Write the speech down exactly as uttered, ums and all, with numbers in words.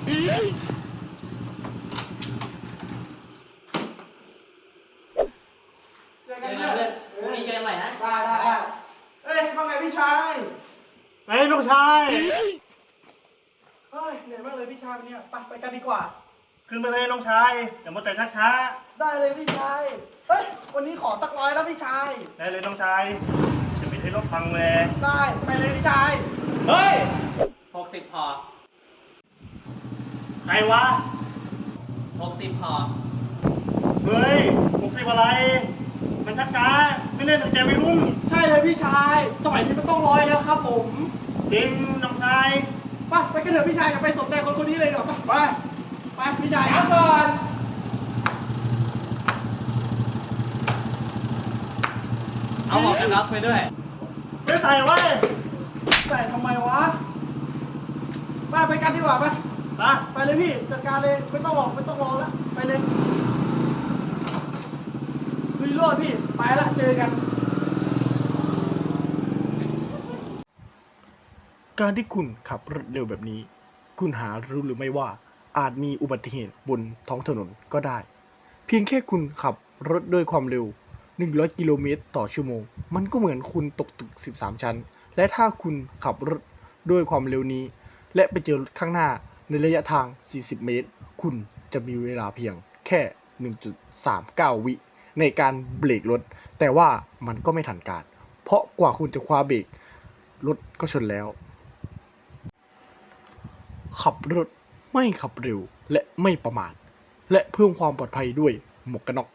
เจอกันเพื่อนพรุ่งนี้เจอกันใหม่นะได้ได้ได้เอ้ยว่าไงพี่ชายไอ้ลูกชายเฮ้ยเหนื่อยมากเลยพี่ชายวันนี้ไปไปกันดีกว่าขึ้นมาเลยน้องชายอย่ามัวแต่ช้าได้เลยพี่ชายเฮ้ยวันนี้ขอสักร้อยแล้วพี่ชายได้เลยน้องชายจะปิดให้รถพังเลยได้ไปเลยพี่ชายเฮ้ยหกสิบพอใครวะหกสิบพอเฮ้ยหกสิบอะไรมันช้าช้าไม่เล่นตั้งใจไม่รุ่งใช่เลยพี่ชายสมัยนี้มันต้องร้อยแล้วครับผมจริงน้องชายไปไปกันเถอะพี่ชายอย่าไปสนใจคนคนนี้เลยเดี๋ยวไปไปพี่ชายช้าก่อนเอาหมวกกันน็อกไปด้วยไม่ใส่ไว้ใส่ทำไมวะไปไปกันดีกว่าไปนะไปเลยพี่จัดการเลยไม่ต้องรอไม่ต้องรอแล้วไปเลยลุยโลดพี่ไปละเจอกันการที่คุณขับรถเร็วแบบนี้คุณหารู้หรือไม่ว่าอาจมีอุบัติเหตุบนท้องถนนก็ได้เพียงแค่คุณขับรถด้วยความเร็วหนึ่งร้อยกิโลเมตรต่อชั่วโมงมันก็เหมือนคุณตกตึกสิบสามชั้นและถ้าคุณขับรถด้วยความเร็วนี้และไปเจอรถข้างหน้าในระยะทางสี่สิบเมตรคุณจะมีเวลาเพียงแค่ หนึ่งจุดสามเก้า วิในการเบรกรถแต่ว่ามันก็ไม่ทันการเพราะกว่าคุณจะคว้าเบรกรถก็ชนแล้วขับรถไม่ขับเร็วและไม่ประมาทและเพิ่มความปลอดภัยด้วยหมวกกันน็อก